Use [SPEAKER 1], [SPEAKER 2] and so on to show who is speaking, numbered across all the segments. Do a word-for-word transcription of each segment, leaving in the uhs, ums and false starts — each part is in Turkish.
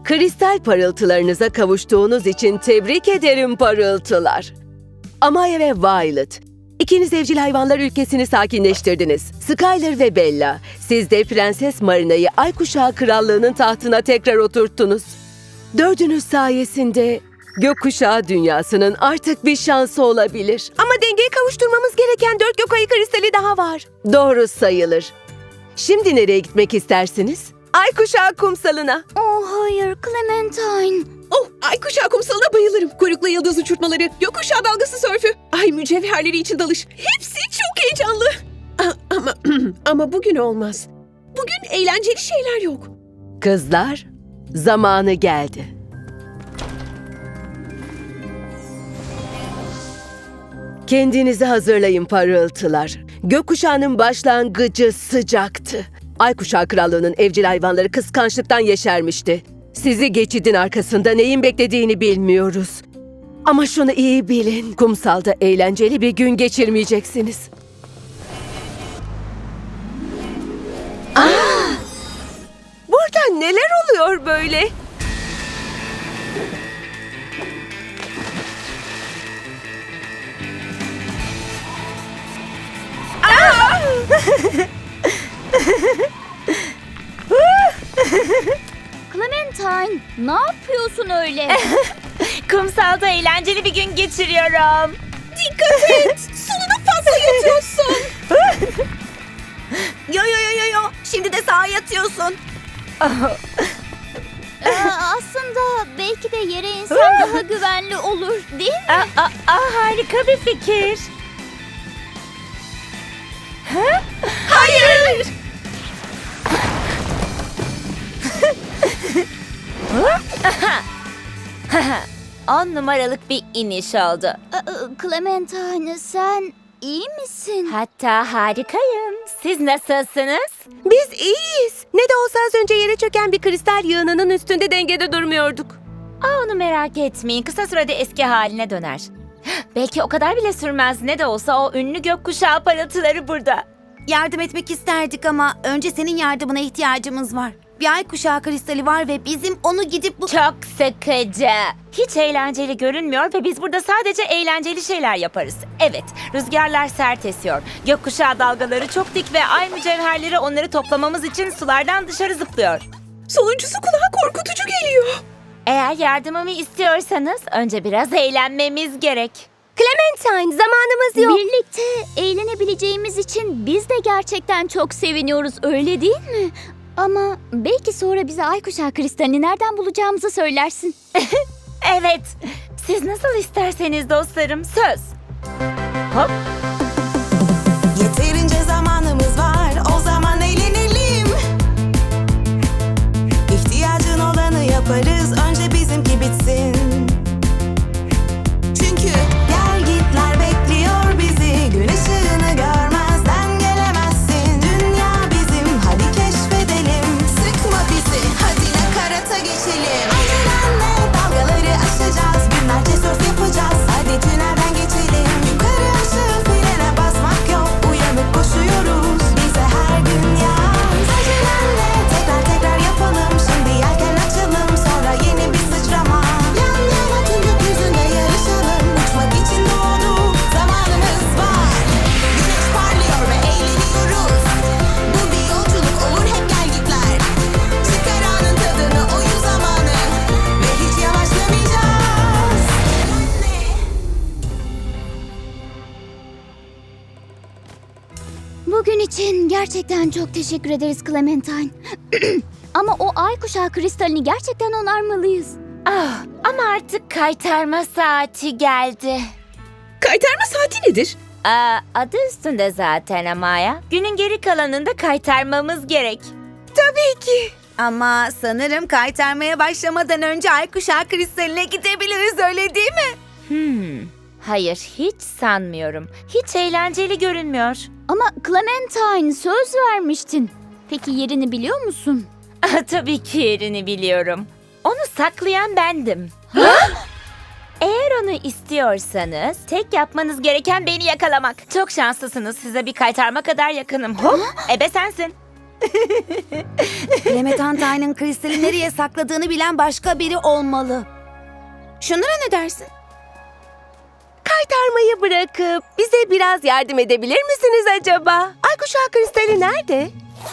[SPEAKER 1] Kristal parıltılarınıza kavuştuğunuz için tebrik ederim parıltılar. Amaya ve Violet, ikiniz evcil hayvanlar ülkesini sakinleştirdiniz. Skyler ve Bella, siz de Prenses Marina'yı Aykuşağı Krallığı'nın tahtına tekrar oturttunuz. Dördünüz sayesinde gökkuşağı dünyasının artık bir şansı olabilir.
[SPEAKER 2] Ama dengeyi kavuşturmamız gereken dört gök ayı kristali daha var.
[SPEAKER 1] Doğru sayılır. Şimdi nereye gitmek istersiniz?
[SPEAKER 2] Ay kuşağı kumsalına.
[SPEAKER 3] Oh hayır Clementine.
[SPEAKER 2] Oh, ay kuşağı kumsalına bayılırım. Kuyruklu yıldız uçurtmaları, gökkuşağı dalgası sörfü, ay mücevherleri için dalış. Hepsi çok heyecanlı. A- ama ama bugün olmaz. Bugün eğlenceli şeyler yok.
[SPEAKER 1] Kızlar, zamanı geldi. Kendinizi hazırlayın parıltılar. Gökkuşağının başlangıcı sıcaktı. Aykuşağı Krallığı'nın evcil hayvanları kıskançlıktan yeşermişti. Sizi geçidin arkasında neyin beklediğini bilmiyoruz. Ama şunu iyi bilin, kumsalda eğlenceli bir gün geçirmeyeceksiniz.
[SPEAKER 2] Burada neler oluyor böyle?
[SPEAKER 3] Clementine ne yapıyorsun öyle?
[SPEAKER 4] Kumsalda eğlenceli bir gün geçiriyorum.
[SPEAKER 2] Dikkat et! Sonuna fazla yatıyorsun. Yo yo yo yo yo. Şimdi de sağa yatıyorsun.
[SPEAKER 3] Ee, aslında belki de yere insan daha güvenli olur değil mi?
[SPEAKER 4] Aa, aa, aa, harika bir fikir.
[SPEAKER 2] Hayır!
[SPEAKER 4] On numaralık bir iniş oldu.
[SPEAKER 3] Ee, Clementine sen iyi misin?
[SPEAKER 4] Hatta harikayım. Siz nasılsınız?
[SPEAKER 2] Biz iyiyiz. Ne de olsa az önce yere çöken bir kristal yığınının üstünde dengede durmuyorduk.
[SPEAKER 4] Aa, onu merak etmeyin. Kısa sürede eski haline döner. Belki o kadar bile sürmez. Ne de olsa o ünlü gökkuşağı parıltıları burada.
[SPEAKER 5] Yardım etmek isterdik ama önce senin yardımına ihtiyacımız var. Bir ay kuşağı kristali var ve bizim onu gidip bu...
[SPEAKER 4] Çok sıkıcı. Hiç eğlenceli görünmüyor ve biz burada sadece eğlenceli şeyler yaparız. Evet, rüzgarlar sert esiyor. Gökkuşağı dalgaları çok dik ve ay mücevherleri onları toplamamız için sulardan dışarı zıplıyor.
[SPEAKER 2] Sonuncusu kulağa korkutucu geliyor.
[SPEAKER 4] Eğer yardımımı istiyorsanız önce biraz eğlenmemiz gerek.
[SPEAKER 3] Clementine zamanımız yok. Birlikte eğlenebileceğimiz için biz de gerçekten çok seviniyoruz öyle değil mi? Ama belki sonra bize ay kuşağı kristalini nereden bulacağımızı söylersin.
[SPEAKER 4] Evet, siz nasıl isterseniz dostlarım, söz. Hop.
[SPEAKER 6] Yeterince zamanımız var, o zaman eğlenelim. İhtiyacın olanı yaparız, önce bizimki bitsin. Çünkü gel gitler bekliyor bizi, gün ışığını görmezden gelemezsin. Dünya bizim, hadi keşfedelim. Sıkma bizi, hadi nakarata geçelim. Acelenle dalgaları aşacağız, günlerce surf yapacağız. Hadi tünelden geçelim. Yukarı aşağı frene basmak yok, uyanık koşuyoruz. Bize her gün yaz. Acelenle tekrar tekrar yapalım. Şimdi yelken açalım, sonra yeni bir sıçrama. Yan yana tüm gökyüzünde yarışalım. Uçmak için doğduk, zamanımız var. Güneş parlıyor ve eğleniyoruz. Bu bir yolculuk olur, hep gel gitler. Çıkar anın tadını, oyun zamanı. Ve hiç yavaşlamayacağız.
[SPEAKER 3] Bugün için gerçekten çok teşekkür ederiz Clementine. Ama o ay kuşağı kristalini gerçekten onarmalıyız.
[SPEAKER 4] Ah, ama artık kaytarma saati geldi.
[SPEAKER 2] Kaytarma saati nedir?
[SPEAKER 4] Aa, adı üstünde zaten Amaya. Günün geri kalanında kaytarmamız gerek.
[SPEAKER 2] Tabii ki.
[SPEAKER 5] Ama sanırım kaytarmaya başlamadan önce ay kuşağı kristaline gidebiliriz öyle değil mi?
[SPEAKER 4] Hmm, hayır hiç sanmıyorum. Hiç eğlenceli görünmüyor.
[SPEAKER 3] Ama Clementine söz vermiştin. Peki yerini biliyor musun?
[SPEAKER 4] Ah, tabii ki yerini biliyorum. Onu saklayan bendim. Eğer onu istiyorsanız tek yapmanız gereken beni yakalamak. Çok şanslısınız. Size bir kaytarma kadar yakınım. Hop, ebe sensin.
[SPEAKER 5] Clementine'ın kristali nereye sakladığını bilen başka biri olmalı. Şunlara ne dersin?
[SPEAKER 1] Kaytarmayı bırakıp bize biraz yardım edebilir misiniz acaba? Ay kuşağı kristali nerede?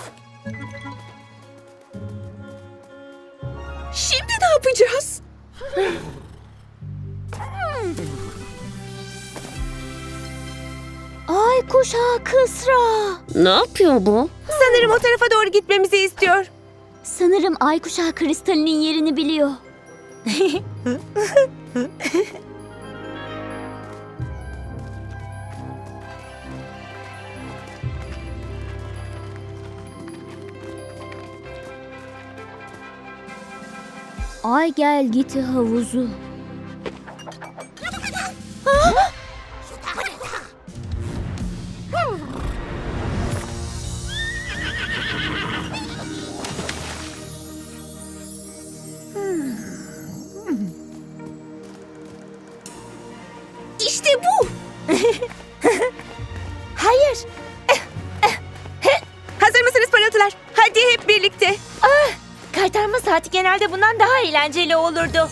[SPEAKER 2] Şimdi ne yapacağız?
[SPEAKER 3] Ay kuşağı kısra.
[SPEAKER 2] Ne yapıyor bu?
[SPEAKER 1] Sanırım o tarafa doğru gitmemizi istiyor.
[SPEAKER 3] Sanırım ay kuşağı kristalinin yerini biliyor. Ay gel giti havuzu.
[SPEAKER 2] İşte bu.
[SPEAKER 3] Hayır.
[SPEAKER 1] Hazır mısınız parıltılar? Hadi hep birlikte.
[SPEAKER 4] Kaytarma saati genelde bundan daha eğlenceli olurdu.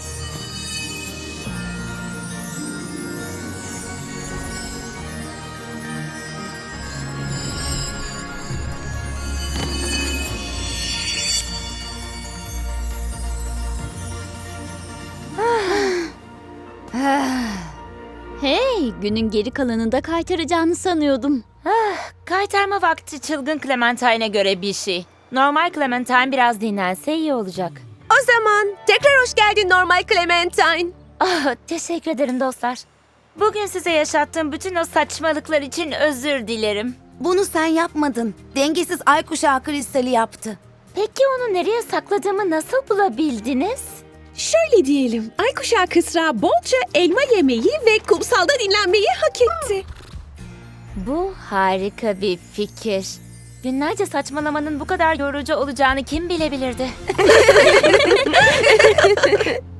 [SPEAKER 3] Hey, günün geri kalanında kaytaracağını sanıyordum.
[SPEAKER 4] Kaytarma vakti çılgın Clementine'e göre bir şey. Normal Clementine biraz dinlense iyi olacak.
[SPEAKER 1] O zaman tekrar hoş geldin normal Clementine.
[SPEAKER 4] Ah, teşekkür ederim dostlar. Bugün size yaşattığım bütün o saçmalıklar için özür dilerim.
[SPEAKER 5] Bunu sen yapmadın. Dengesiz ay kuşağı kristali yaptı.
[SPEAKER 4] Peki onu nereye sakladığımı nasıl bulabildiniz?
[SPEAKER 2] Şöyle diyelim. Aykuşağı kısra bolca elma yemeyi ve kumsalda dinlenmeyi hak etti.
[SPEAKER 4] Bu harika bir fikir. Günlerce saçmalamanın bu kadar yorucu olacağını kim bilebilirdi?